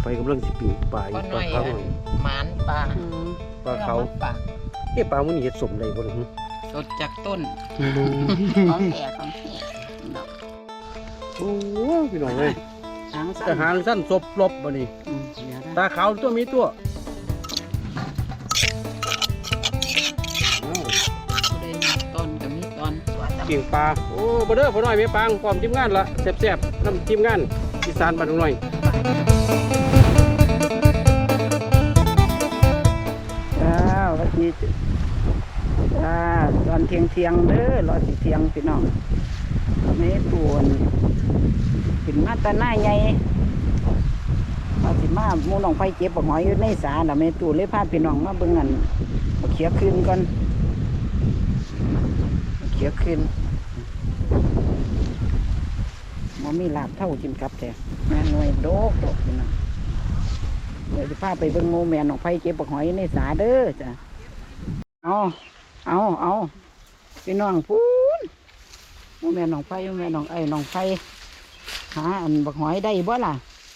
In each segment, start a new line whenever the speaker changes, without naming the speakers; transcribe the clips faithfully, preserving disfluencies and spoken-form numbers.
ไปกำลังสิปิ้งปลาอยู่ปลาเขา
หมานปลา
ปลาเขาเอ๊ะปลามันนี่เฮ็ดสมได้บ่ล่ะฮึ
สดจากต้นของแก่ของแก่
โอ้พี่น้องเอ้ยจะหางสั้นศพลบบ่นี่ตาขาวตัวมีตัว
ต้นกับมีต้น
ปิ้งปลาโอ้บ่เด้อพ่อน้อยแม่ปางพร้อมทีมงานละแซ่บๆนำทีมงานอีสานบ้านน้อย
จ้าวันนี้จ้าตอนเที่ยงเที่ยงเด้อรอสิเที่ยงพี่น้องไม่ตัวขึ้นมาตาหน้าใหญ่มาสิมาหมูน้องไฟเก็บบักหอยอยู่ในสาน่ะแม่ตู่เลยพาพี่น้องมาเบิ่งอันบักเขียขึ้นก่อนบักเขียขึ้นบ่มีลาบเท่ากินกับแต่แม่หน่วยโดกโดกพี่น้องเดี๋ยวจะพาไปเบิ่งหมูแม่น้องไฟเก็บบักหอยในสาเด้อจ้ะเอาเอาเอาพี่น้องพูนหมูแม่น้องไฟหมูแม่น้องไอ้น้องไฟหาอันบักหอยได้บ่ล่ะ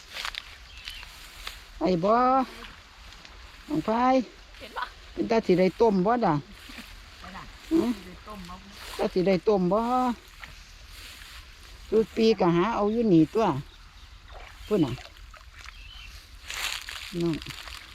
ไอ้บ่น้องไฟเป็นตาสีได้ต้มบ่ด่ะตาสีได้ต้มบ่จุดปีก็หาเอาอยู่หนีตัวพูดน่ะน้อง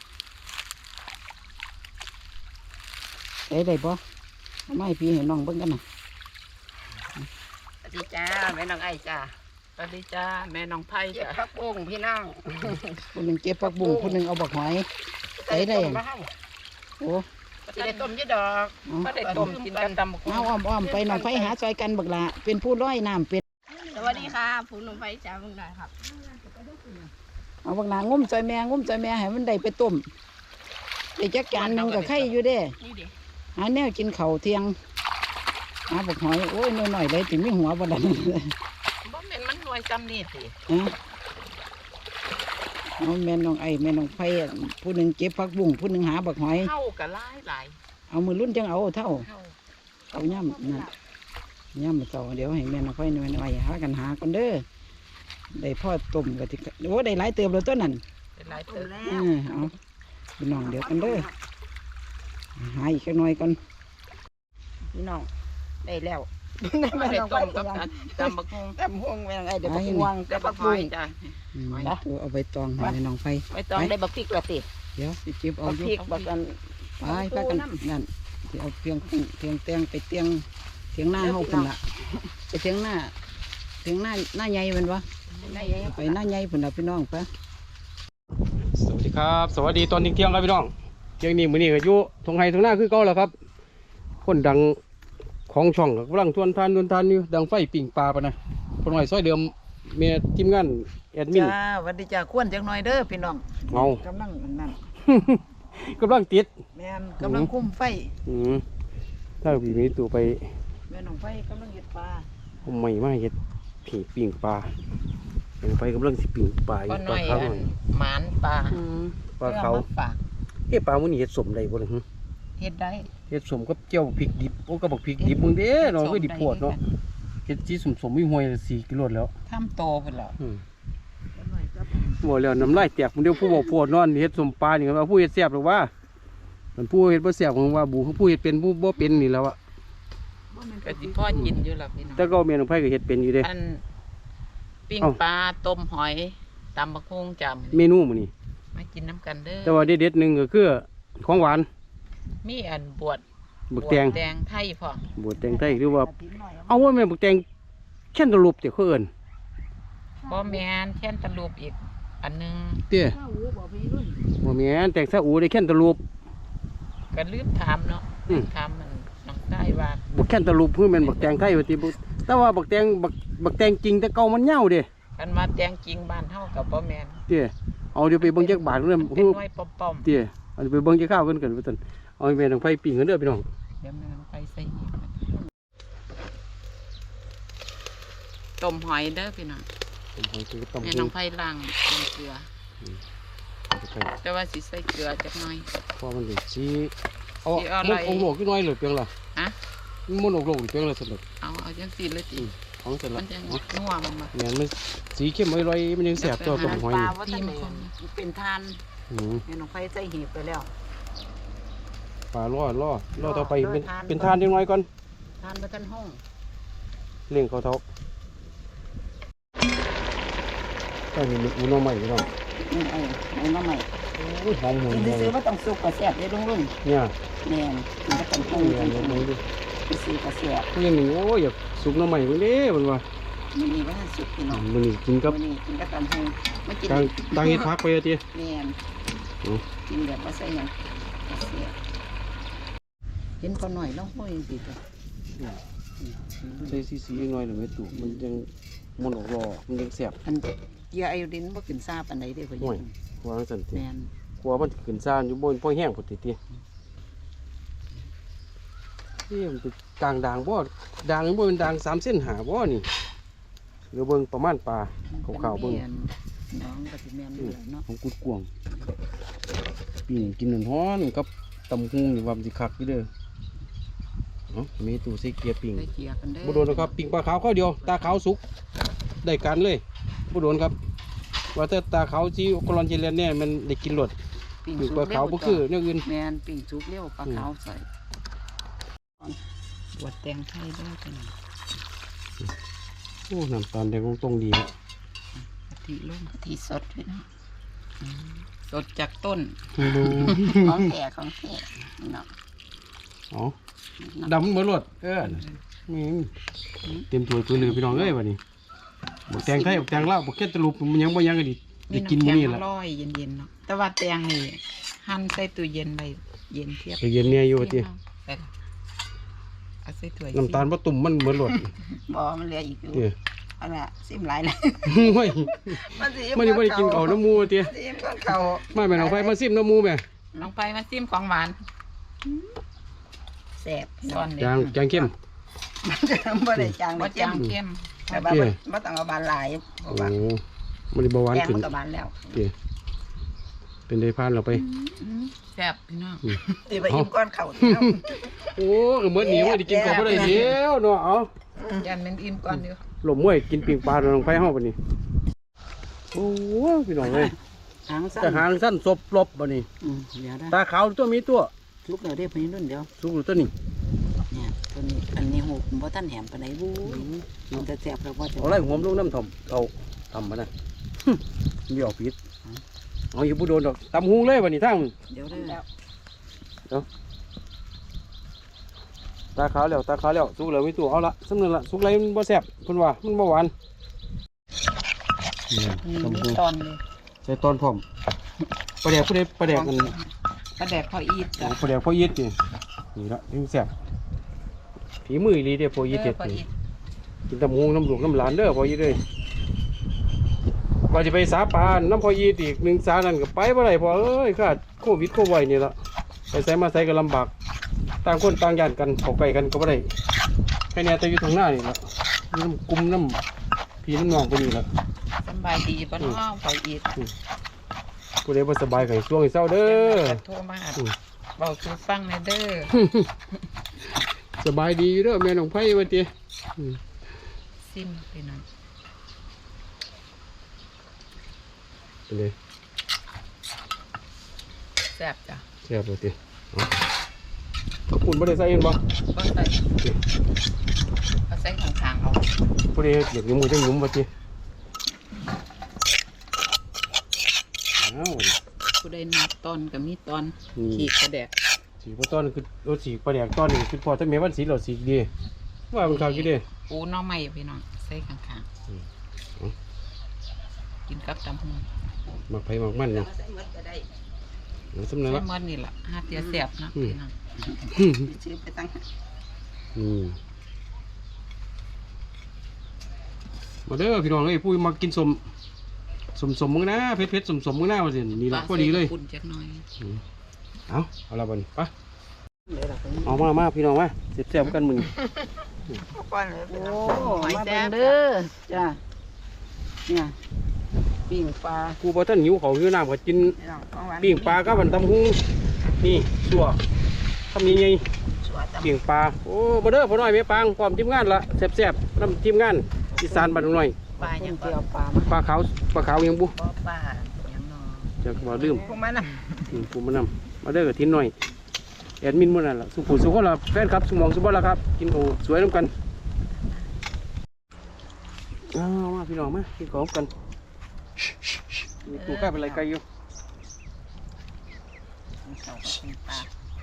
ได้ได้บ่ไม่พี่เห็นน้องเบิ่งกันน่ะ
สวัสดีจ้าแม่น้องไอ้จ้าสวัสดีจ้าแม่น้องไผ่จ้าพักบุ้งพี่น้อง
คนหนึ่งเก็บผักบุ้งคนหนึ่งเอาบักหอยได้ได้โอ้
สิได้ต้มยี่ดอกก็ได้ต้มกินกันตำบักหุ่ง
เอาอ้อมอ้อมไปน้องไฟหาซอยกันบักละเป็นผู้ร้อยน้ำเป็ด
สวัสดีค่ะผู้น้องไฟจ้าเมืองใดครับ
เอาบักหลางุ้มซอยแมงงุ้มซอยแมงให้มันได้ไปต้มได้จักจานหนึ่งกับไข่อยู่เด้หาแนวกินเข่าเที่ยงหาบักหอยโอ้ยน้อยๆเลยถึงไม่หัวบ่ดัน
บ่แม่นมันหน่วยจำนี่สิ
เอาแม่น้องไอ้แม่น้องไฟผู้หนึ่งเก็บผักบุ้งผู้หนึ่งหาบักหอย
เท่ากับหลายหลาย
เอามือรุ่นจังเอาเท่าเอาย่ำนั่นย่ำมาต่อเดี๋ยวให้แม่น้องไฟแม่น้องไอ้หากันหากันเด้อได้พ่อต้มกับที่โอ้ได้หลายเติมเลยต้นนั่น
ได้หลายเติมแล้ว
เอาพี่น้องเดี๋ยวกันเด้อหาอีกแค่น้อยก่อนพี่น้องได้แล้ว
ไม่ได้ต้มกับตำบักหุ่ง
ตำหุ่งแม่น้องไอ้เดี๋ยวบักหุ่ง
แต่บักหุ่งจ้ะ
เอาไปตองให้แม่น้องไฟ
ไปตองได้บักพริกละสิ
เดี๋ยวสิเก็บเอาอยู่บักกันไปไปกันนั่นที่เอาเพียงเพียงแตงไปเตียงเตียงหน้าเฮาพุ่นละไปเตียงหน้าเตียงหน้าหน้าใหญ่เป็นวะไปหน้าใหญ่พุ่นละพี่น้องไป
สวัสดีครับสวัสดีตอนเที่ยงครับพี่น้องเที่ยงนี้มื้อนี้ก็อยู่ทงไห้ทงหน้าคือเก่าแล้วครับคนดังของช่องกำลังทวนทานทวนทานอยู่ดังไฟปิ่งปลาปะนะคนหน่อยซอยเดิมเมียทีมงานแอดมิน
จ้าวันดีจ้าควนจังหน่อยเด้อพี่น้อง
เอา
กำลังนั่น
กำลังติด
แม่นกำลังคุ้มไฟ
อืมถ้าพี่มีตัวไป
แม่น้องไฟกำลังเห็ดปลา
ผมไม่มาเห็ดผีปิ่งปลายังไปกำลังสิปิ่งปลาอยู่ปลาเขาหน่อย
หมานปลา
ปลาเขาเอ๊ะปลามันนี่เห็ดสมได้บ่ล่ะฮึ
เห็ดได้
เห็ดสมกับเจียวพริกดิบโอ้ก็บอกพริกดิบมึงเด้เนาะก็ดิบปวดเนาะเห็ดสีสมๆมีห้วยสี่กิโลแล้ว
ทำโตไปแล้ว
บ่แล้วน้ำลายแตกมันเดียวผู้บอกปวดนอนเห็ดสมปลาอย่างว่าผู้เห็ดแซ่บหรือว่ามันผู้เห็ดบ่แซ่บของว่าบูผู้เห็ดเป็นผู้บ่เป็นนี่แล้วอะ
ก็สิพ่อกินอยู่ล่ะพี่น้อง
แต่ก็เมนูไผ่ก็เห็ดเป็นอยู่เด้
อันปิ้งปลาต้มหอยตำบักหุ่งจำ
เมนูมื้อนี้
มากินน้ำกันเด้อ
แต่ว่าเด็ดๆนึงก็คือของหวาน
มีอันบวช
บวชแตง
แตงไทยพ่
อบวชแตงไทยหรือว่าเอาว่าแม่บวชแตงแค่นตลุบเดี๋ยวเขาเอิญ
บ่แม่นแค่นตลุบอีกอันนึง
เตี้ยบ่แม่นแตงซาอูได้แค่นตลุบ
ก็ลืมถามเนาะถามมันน้องใต้ว่า
บวชแค่นตลุบเพื่อเป็นบวชแตงไทยว่าติบุแต่ว่าบวชแตงบวชบวชแตงจริงแต่เก่ามันเน่าเด้
กันมาแตงจริงบ้านเฮากับบ่แม่น
เตี้ยเอาเดี๋ยวไปเบิ่งจักบาทเรื่อง
เป็นน้อยป้อม
ๆเตี้ยเอาไปเบิ่งจักข้าวกันกันว่าซั่นเอาแม่ทางไฟปิ้งกันเด้อพี่น้อง
เดี๋ยวแม่ทางไฟใส่อีกต้มหอยเด้อพี่น้องแม่น้องไฟล้างเกลือแต่ว่าสิใส่เกลือจักหน่อย
เพราะมันสิสิเอามันองโลกนิดหน่อยหรือเพียงล่ะ
ฮะ
มันองโลกเพียงล่ะสนุก
เอาเอาจังซี่เลยติ
เของเสร็จ
มั
ละ
นจะนัวมันมา
เนี่ยมันสีเข้มอร่อยๆมันยังแสบตัวต้มหอย
ปลา
นี่
ว่าท่านเลยเป็นทาน
อืม
แม่น้องไฟใส่หีบไปแล้ว
ปลาล่อล่อล่อต่อไป
ล่อ
เป็น
ทาน
เป็นทานยังไงก่อน
ทานมาท่านห้อง
เลี้ยงเขาเท้าต้องมีอุณหภูมิพี่น้อง
นี่ไอ้ไอ้มาใหม่
โอ้ยหอมหวน
กิน
หอม
ซื้อๆว่าต้องสุกกระแสบได้ลุงลุง
เนี่ย
แม่นกินก็ต้อง
ต้
ห้
อ
อง ง
เรียน
กิน
ลงดู
ซื้อกระแสบ
ก็ยังหนึ่งโอ้ยอยากสุกหน้ำใหม่คนนี้มันว่า
มันมีว่าท่านสุกพี่น้อง
มันนี่กินกับ
มันนี่กินก็ตามห้องมากิน
ตังตังเฮ็ดพักไปอะที
แม่น
อืม
กินแบบว่าใส่หยังกระแสบเห็นพอหน่อยแล้วห้อยสิจ้ะ
ใส่ซีซีหน่อยหรือไม่ถูกมันยังมันออกรอมันยังแสบ
อันเกียร์ไอโอดินบ่ขึ้นซาปานใดเด้อพ่อ
ห่วย
ยิง
วางสันติ
แม่น
กลัวมันขึ้นซ่านอยู่บนพ่อแห้งพอดีทีนี่มันเป็นกลางด่างบ่ด่างบ่เป็นด่างสามเส้นหาบ่นี่หรือเบิ่งประมาณปลาขาวๆเบิ่ง
แม่นน้องก็สิแม่นอยู่แล้วเนาะ
ของกุดกวางปิ้งกินร้อนๆกับตำหุงนี่ว่ามันสิคักอยู่เด้อเนาะมีตู้ใส่เกียร์ปิ้ง
ได้เกียร์กันเด้อ
บ่โดนนะครับปิ้งปลาขาวข้าวเดียวตาขาวสุกได้การเลยบ่โดนครับ ว่าแต่ตาขาวที่กรอนเจริญเนี่ยมันได้กินรส
ปิ้ง
ปิ้ง
สุ
ปลาก ขาวบ่คือแนวอื่น
แม่นปิ้งสุกเร็วปลาขาวใส่บวดแตงไทยเด้อกัน
โอ้น้ำตาลแดงตรงๆดีนะ
กะทิลงกะทิสดพี่น้องอืมสดจากต้น
ดู
ของแก่ของแก่นี่เนาะ
อ๋อดำเหมือนรสเออนี่เต็มถ้วยตัวหนึงพี่น้องเอ้ยบัดนี้บ่แตงไทยบ่แตงลาวบ่เค็ดตะลุบมันยังบ่ยังก็ดิได้กินมื้อนี้
มีำ
ล่ะ
แข็งอร่อยเย็นๆเนาะแต่ว่าแตงนี่หั่นใส่ตู้เย็นไปเย็นเทียบ
ไปเย็นเนี่ยอยู่ติ
ไปล่ะเอาใส่ถ้วย
น้ำตาลบ่ตุ่มมันเหมือนรส
บ่มันเหลืออีกอยู่
เด้อ
อันน่ะซิมหลายเลย
โอ้ย
มันสิ
มันนี่บ่ได้กินข้าวน้ำหมูติ
ซิมกับเขาว
มาแม่น้องไฟมาซิมน้ำหมูแม่
ลองไปมาซิมของหวาน
แซ่บซ้อนเลย
จางจางเข้ม
บ่ได้จาง
บ่
บ่
จา
จาง ง
เข้ม
แต่ว่า
เจ้
บ่บ่ต้องเอาบานหลายเพ
โอ้
ราะว่า
มันได้เบาหวาน
แกง
ขึ้น
มันก็บานแล้ว
เด้อเป็นได้พานเราไป
แซ่บพี่น้อง
สิไปอิ่มก้อนข้าว
โอ้ก็เหมือนหนีว่าได้กินข้าวบ่ได้เดียวเนาะเอา
ยันเป็นอิ่มก่อนอยู่
หลมมวยกินปิงปลาลงไฟเฮาบัดนี้โอ้พี่น้องเอ้ย
หางสั้
จะ
น
หางสั้นศพลบบัดนี้
อืมเดี๋ยวได้
ตาขาวตัวมีตัว
ลูกเดี๋ยวได้พี่รุ่นเดียว
สูงตัวนี้
เนี่ยตัวนี้อันนี้หูบ่ทันแหมปานใดบู๊มันจะแซ่บแล้วบ่จะ
เอาไรหัวมลงน้ำถ่อมเอาทำมานะ เดี๋ยวผิดเอาอยู่บ่โดนดอกตำหุงเลยบัดนี้ทั้ง
เดี๋ยวได้แล้ว
ตาขาวแล้วตาขาวแล้วสุกแล้วมีตัวเอาละสำนึกละสุกไรมันบ่แซ่บเพิ่นว่ามันบ่หวานนี่
นี่
ตำ
มี
หุง
ตอนเลย
ใส่ตอนพร้อมปลาแดกผู้ใดปลาแดกกัน
ปลาแดกพออีด
โอ้
จ้ะ
ปลาแดกพ่อยีดนี่นี่ละถึงแซ่บฝีมืออีหลีเด้อพ่อยีดเด็ด
พอ
นี่
อีด
กินตำหุงน้ำหลวงน้ำหลานเด้อพ่อยีดเด้อว่าจะไปสาปานน้ำพ่อยีดอีกหนึ่งสานั่นก็ไปบ่ได้พ่อเอ้ยขาดโควิดโควิดนี่ละไปใส่มาใส่ก็ลำบากต่างคนต่างย่านกันเข้าใกล้กันก็บ่ได้แค่เนี้แต่อยู่ทางหน้านี่ละน้ำกลุ่มน้ำพี่น้ำน้องพวกนี้ละ
สำบายดีบ่เนาะพออีด
ผู้ใดบ่สบายก็ให้ช่วงให้เศร้าเด้อ
โทรมาเว้าสู่ฟังในอยเด้อ
สบายดีอยู่เด้อแม่น้องไผว่าติ
ซิมพี่น้อง
ไปเลย
แซ่บจ้ะ
แซ่บว่าติเอาขอบคุณบ่ได้ใส่เห็นบ่
ก็ใส่ก็ใส่ของทางเอา
ผู้ใดอยากหยุมก็จังหยุมว่าติอ้าว
ผู้ใดนับตอนก็มีตอน
นี่
ขีดกระแดก
สีบ่ต้อนคือรถสีปลาแดกต้อนนี่คือพอถ้าแม่วันสีเหล่าสีดีว่ามันคักอยู่เด้
ปูหน้องใหม่พี่น้องใส่ข้าง
อืม
ๆกินกับตำหู
มักไผมักมันเนาะ
ใส่หมดก็ได้
เอาสำนัก
ใส่
ละ
หมดนี่ล่ะหาเตียแซ่บนะพี่น้อง
ซื้อไปตั้ง
อืมมาเด้อพี่น้องเอ้ยปุ้ยมากินสมสมสมมึงนะเผ็ดเผ็ดสมสมมึงนะว่าสินี่ละพอดีเลย
ปุ่นจักหน่อย
อืมเอาเอาละบัดนไป
เลยล่ะ
เอามามาพี่น้องมาเสียบเสียบกันมึง
ก้อนเลยโอ้มาเบิ่งเด้อจ้ะเนี่ยปิ้งปลา
กูพอท่านหิวเขาวหิวน้ำก็กิน
พี่น้องของหวาน
ปิ้งปลากับบันตำหูนี่สัวทำยังไง
สวยตำ
ปิ้งปลาโอ้มาเด้อพ่อน้อยแม่ปางพร้อมทีมงานละแซ่บๆน้ำทีมงานอีสานบ้านหน่อย
ปลา
ค
ยัง
น
ป
เกี่ย
ลาว
ปลามา
ปลาขาวปลาขาวยังบุ
บ่ปลายังนอ
จะบ่ลืม
พวกมันน่ะ
อืมปูมานำมาเด้อกับทิ้นหน่อยแอดมินมื้อนั้นล่ะสุขุสุขคนละแฟนครับสมองสุบละครับ กินโอสวยน้ำกันอ้าวมาพี่น้องมากินของกันมีตัวใกล้เป็นไรไกลอยู่
เขาก็เป็นปลา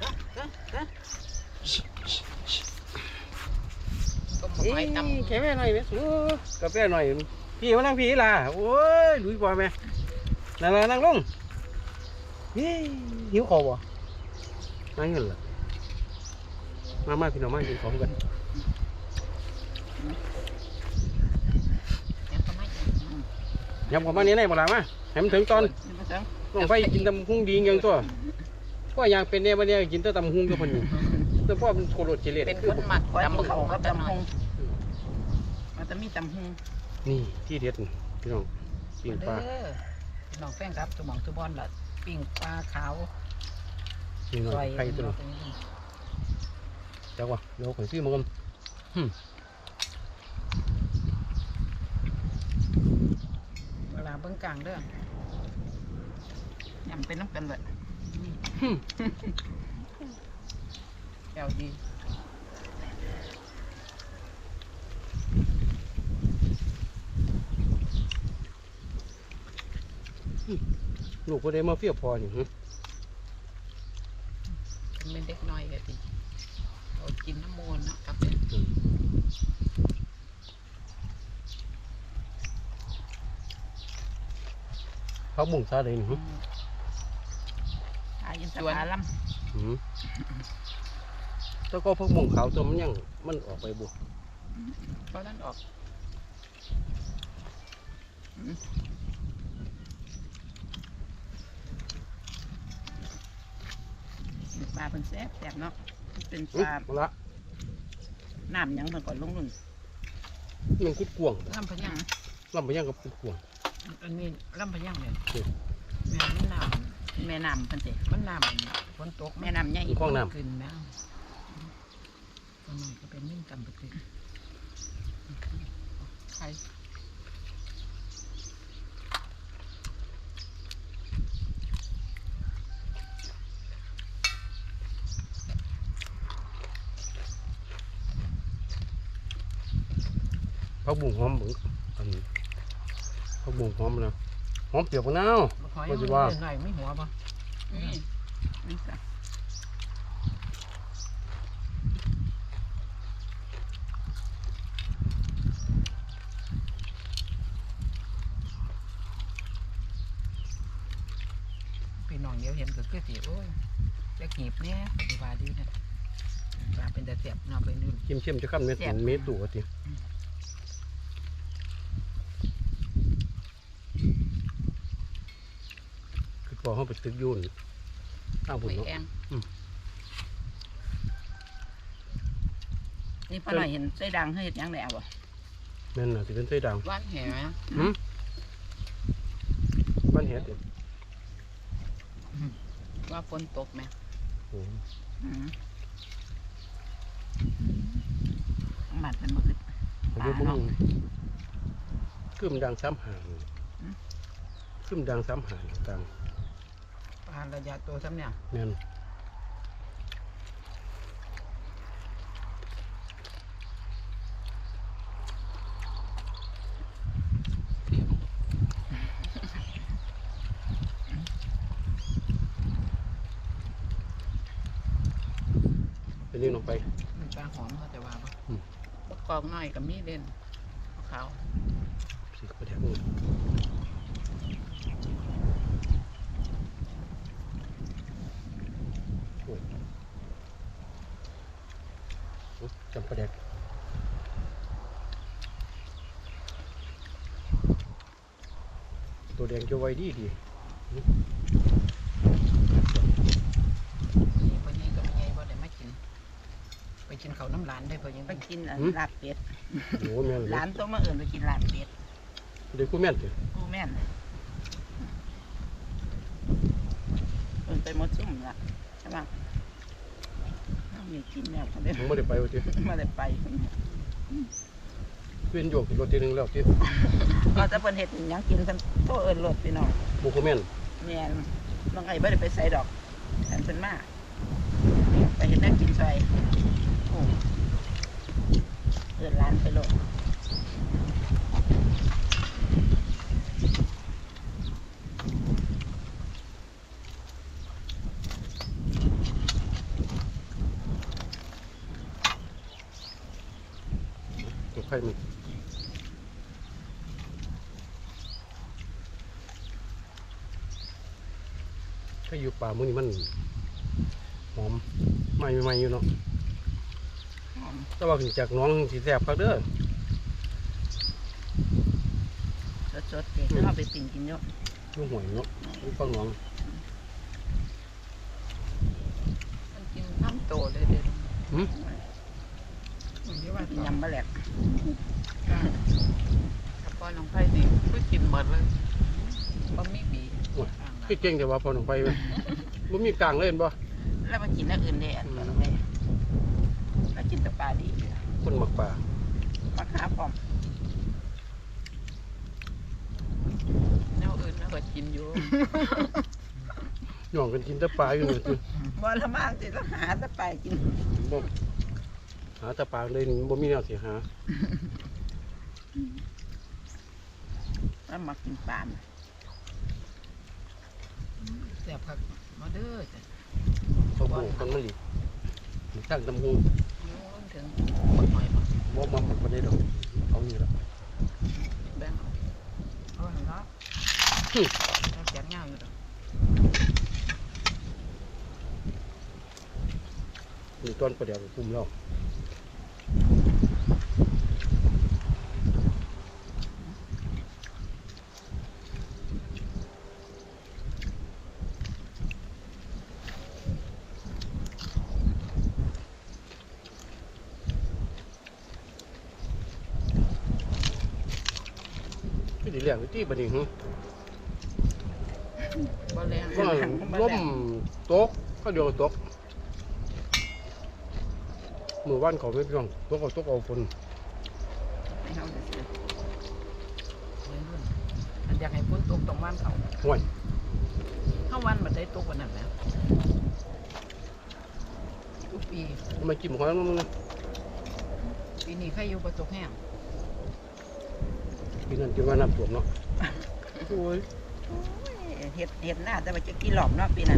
ต้มหอยตำ
แค่แม่หน่อยแม่สูกาแฟหน่อยพี่มานั่งพี่ล่ะโอ้ยลุยบ่แม่นั่งล่ะนั่งลงเฮ้ยหิวคอบ่นั่งเงินล่ะมามาพี่น้องมากินของกัน
ยังก็ไม่ยัง
ยำของมาเนี้ยไหนบ่ล่ะมาให้มันถึงตอน
ไม่ต้อง
ต้องไปกินตำหุ้งดีอย่างตัวก็อย่างเป็นเนี่ยวันนี้กินแต่ตำหุ้งตัวคนนี้แต่พ่อมันโคตรเจริญ
เป็นคนหมักตำบักหุ่งกับตำหงมันจะมีตำหง
นี่ที่เด็ดนี่พี่น้องปิ้งปลา
เด้อน้องแป้งครับสมองสุบอนล่ะปิ้งปลาขาว
นี่หน่
ซ
อ
อย ย
ไข่ตัวนี้จักวะเดี๋ยวข่อยซื้อมากันหึ
เวลาเบิ้งกลางเด้อยำเป็นน้ำกันเลย
หึ
แก้วดี
ลูกก็ได้มาเฟี้ยวพอนี่หึ
เป็นเด็กน้อยก็ดีเรากินน้ำมูลเนาะกับเป็น
เขาบุ่งซาเลยนี่หึ
อายินสวาลัม
หึแล้วก็พวกมุงขาวตัวมันยังมันออกไปบุ
เพราะนั้นออกปลาเป็นแซ่บแซ่บเนาะเป็นป
หึ
ลา
มาละ
น้ำยังมันก่อนลงนุ่น
มันคุดกวาง
ลำพะยัง
ลำไปยังกับคุดกวาง
อันนี้ลำพะยังเลย
อืม
แม่มันน้ำแม่น้ำพันเจมันน้ำฝนตกแม่น้ำใหญ่
มีคลองน้ำ
ขึ้นแล้วตัวน้อยก็เป็นมิ่งกำปะตึกใคร
เขาบุ่งหอมเหมือนอันนี้เขาบุ่งหอมนะหอมเปรี้ยวมะนาว
หอย
ว่า
มัน
สิว่า
หน่อยไม่หัวปะนี่นี่จ้ะพี่น้องเดี๋ยวเห็นก็คือสิโอ้ยจะขีบเนี่ยดีว่าดีนะว่าเป็นแต่เสียบเนาะไปนู่น
เข้มเข้มๆจะขั้นเม็ด
แซ่บ
เม็ดตัวทีคือพอเขาไปตึกยุ่นตั้งผุ
ไป
นเนาะ
แอง
อืม
นี่พ่อหน่อยเห็นไส้ดังเฮ็ดหยังแล้วบ่
นั่นน่ะที่เป็นไส้ด่าง
ว่านแหไหม
หืมบ้านเห็ดเด้อ
ว่าฝนตกไหม
โอ้โห
อืมหมัดเป็นมืด
อายุมึงขึ้นดังซ้ำหางขึ้นดังซ้ำหางต่าง
ปลาระยะตัวซ้ำเนี่ย
นั่นเป็นนี่ลงไป
มันปลาหอมเขาจะว่าปะ
อืม
บักกอกน้อยกับมีเด่นขาว
สิกระเดียกมือโอ้ยโอ้ยจำประเด็กตัวแดงจะไวดีดี
นี่พอนี้ก็ไม่ใหญ่พอได้มากิน ไปกินเขาวน้ำหลานได้พอยังไปกินลาบเป็ด
โอ้แม่น
ห
เล
ลาย นตัวมาเอื่นไปกินลาบเป็ด
เด็กกูแม่นเถอะ
กูแม่นเอื่นไปหมดซุ่มละใช่ปะน้องมีกินแล้วเขาได้
มึงไม่ได้ไปวะที
มาได้ไป
เวียนโยกรถทีนึงแล้วที่
เราจะเป็นเห็ดหยังกินทั้งโตเอิญรถพี่น้อง
โมโคเมน
เนี่ยน้องไอ้ไม่ได้ไปใส่ดอกแทนเป็นมากไปเห็นนักกินซอยโอ้เอิญร้านไปโลด
ตัวไข่มันถ้าอยู่ป่ามื้อนี้มันหอมไหม่ไม่อยู่เนาะ
หอม
แต่ว่าขึ้นจากหน้องสีแสบครับเด้อ
สดๆเด็กเข้าไปปิ่งกินเยอะ
ลูกหวยเนาะลูกฟังหน้อง
มันกินน้ำโตเลยเด็ด
หืม
กินยำบะแหลก
ถ้าพ่อน้องไผ่ดิก็กินหมดเลยบ่มีบี
คือเก่งแต่ว่าพอหนุ่มไปไหมบ่มีกลางเล่นบ่
แล้วมากินนักอื่นได้อันตัวน้องไอ้แล้วกินแต่ปลาดี
คนหมักป่า
มาขาพร้อม
แนวอื่นแล้วก็กินอยู่
หย่องกันกินแต่ปลาอยู่นี่คือ
บ่ละมากสิต้องหาแต่ปลากิน
บ่หาแต่ปลาเลยบ่มีแนวสิหา
แล้วมากินปลา
แซ่บคักมาเด้อจ้ะ
เขาโบกกันมันดิตั้งตำหู
นิ้วลงถึงบักหอยบ่
บ่มาหมักปานใดดอกเอานี่ละ
แบ่งเอาเอาหั่นละเอาแจกยาวอยู่ดอก
นี่ต้นประเดี๋ยวคุมแล้วที่ดีแรงที่บัดนี้หึ
บ่แรง
ว่าล่มตกเขาเดียวตกมือว่านเขาไม่พี่น้องตกเอาตกเอาฝน
ให้เขาจะซื้อ
วัยรุ่นอันอยากให้ฝนตกตรงบ้านเขา
ห่วย
เข้าวันบัดได้ตกวันนั้นแล้วทุกปี
ทำไมกินหอยมันนะ
ปีนี้ใครอยู่ประตกแห้ง
ปีนั้นกินว่าน้ำท่วมเนาะโอ้ย
โอ้ยเห็ดเห็ดหน้าแต่ว่าจะกี่หลอมเนาะปีนั้น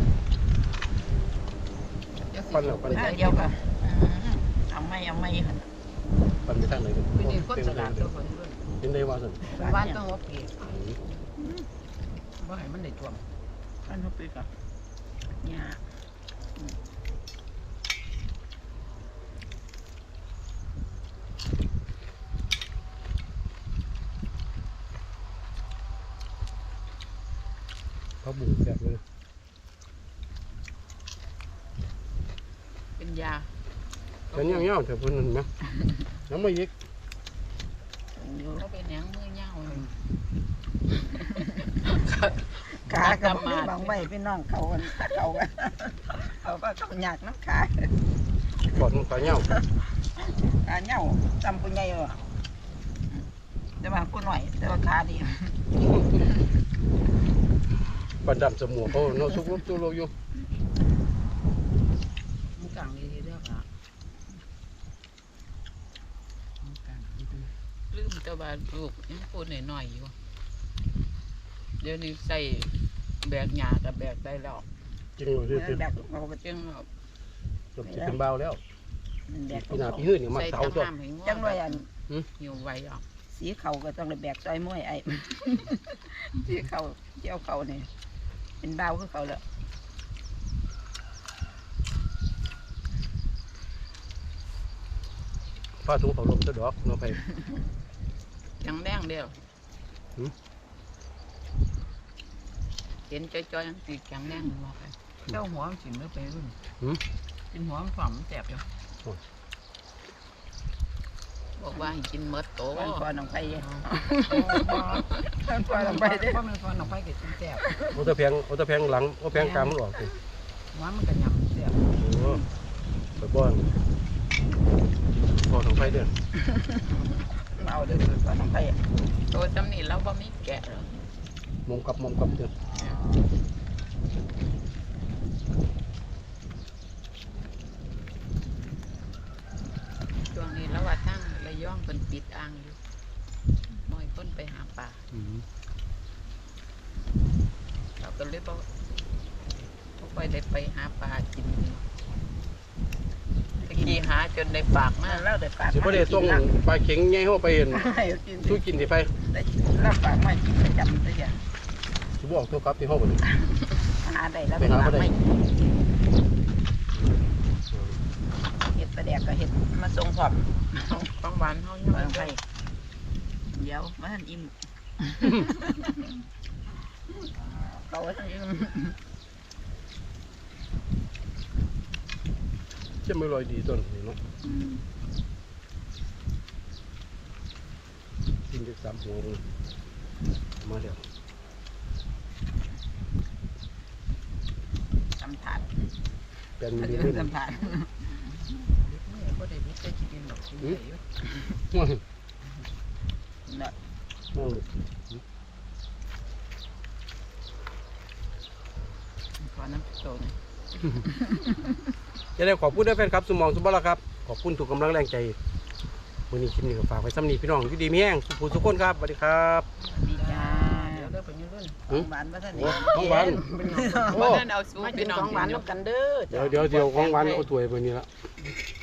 ปันแล้วปัน
หน้าเดียวกันเอาไม่เอาไม่ค่ะ
ปันไปทางไหนกัน
ปีนี้คนสลัดตัวคนรุ่น
เป็นได้ว่าสั่น
เป็นบ้านต้องหัวปีบ่ให้มันได้ท่วม
ท่านเขาไปกับเนี่ย
เขาบุกแบบนี้
เป็นยา
แต่เนี่ยเงี้ยแต่เพิ่นนั่นนะน้ำไม่ยิก
อยู่
เขาเป็นหยังมือเหย้าเลย
ขากับบางใบพี่น้องเขากันเขากันเขาก็เขาหยากน้ำขา
ปอดมันขาเงี้ย
ขาเหน่าจำคนใหญ่เหรอแต่ว่าคนหน่อยแต่ว่าขาดี
ปันดำสมองเขาเนาะซุกลุกตุโลอยู่
มันกลางดีๆเด้อค่ะมันกลางดีๆลืมแตะบาลูกยังพูดหน่อยๆอยู่เดี๋ยวนี้ใส่แบกหญ้ากับแบกได้แล้ว
จริงเลยที่ที่
แบบเราก็
จังแบบ
จบสิเป็นเบาแล้ว
แบบ
ปีหน้าปีหื้อนี่มา
ใส่
เสา
ตะ
ตัว
ห้ามให้งอ
จังเลยอัน
อยู่ไว้อ่ะ
สีเขาก็ต้องเลยแบกซอยมวยไอ้ สีเขาเจ้าเขาเนี่ยเป็นเบาคือเขาเลย
ฟ้าถุงเขาลมซะดอกเนาะไป
ยังแดงเดียว
หืม
เห็นจ้อยๆยังตีแข็งแดงบอกไปเจ้าหัวมันสิเนื้อไปรุ่น
หืม
กินหัวมันฝ่อมมันแสบอยู่
โอ้ย
บอกว่าให้กินเมดโต
ก่อนก่อนลงไป
อ๋อ
ก่อนก่อนลงไปเด้
เพราะมันฟอนออกไปก็กินแสบ
เอาตะแพงเอาตะแพงหลังเอาแพงกลางมันออกสิ
หัวมันก็ยำแสบ
โอ้ไปบ้อนพอต้องไปเด้อ
ไปเอาเด้อสุดว่าน้องไผ่
ตัวจำนี่เราบ่มีแกะหรอก
มุมกับมุมกับเด้อ
ช่วงนี้แล้วว่าทั้งระยองเป็นปิดอ่างอยู่น้อยคนไปหาปลา
อืม
เราก็เลยบ่บ่ค่อยได้ไปหาปลากินตะกี้หาจนได้ปากมา
แล้วได้ปาก
สิบ่ได้ส่งปลาเข็งใหญ่เฮาไปเห็น
ให้กิน
สู้กินสิไป
ได้แล้วปากมากินประจำตัวอย่าง
สิบ่ออกตัวกลับที่เฮาบ่นี่
หาได้แล้ว
ไปหาบ่ได้
ไม่เห็ดประแดกก็เห็ดมาส่งพร้อม
ของหวานเฮายัง
น้
บ่
อง
ได้
ไผ่เดี๋ยวมาทันอิ่มเราว่าทันอิ่ม
จะไม่ลอยดีต้นนี่เนาะกินจักสามหัวเลยมาแล้ว
ทำถาด
เป็นมิลลิ
เรื่
เม
อง
ตร
ทำถาด
บ่ได้มีแต่กินดอกกินได้อยู่
ว้าว
เนาะ
ว้าว
ขอน้ำโตหน่อย
จะได้ขอบคุณด้วยแฟนครับสมองสุบละครับขอบคุณทุกกำลังแรงใจวันนี้คลิปนี้ก็ฝากไว้ซ้ำนี้พี่น้องอยู่ดีมีแห้งสุขสุขคนครับสวัสดีครับ
ดีจ้า
เดี๋ยวเด้อไปยืนรุ่น
ของหวานมาทัน
โอ้ของหวาน
บ่ทันเอาสู้
มากิ
พี่
น
น้อง
ของหวาน
กินอยู่
น้ำกันเด้อ
เดี๋ยวเดี๋ยวเดี๋ยวของหวานเอาถ้วยไปนี่ละ
เ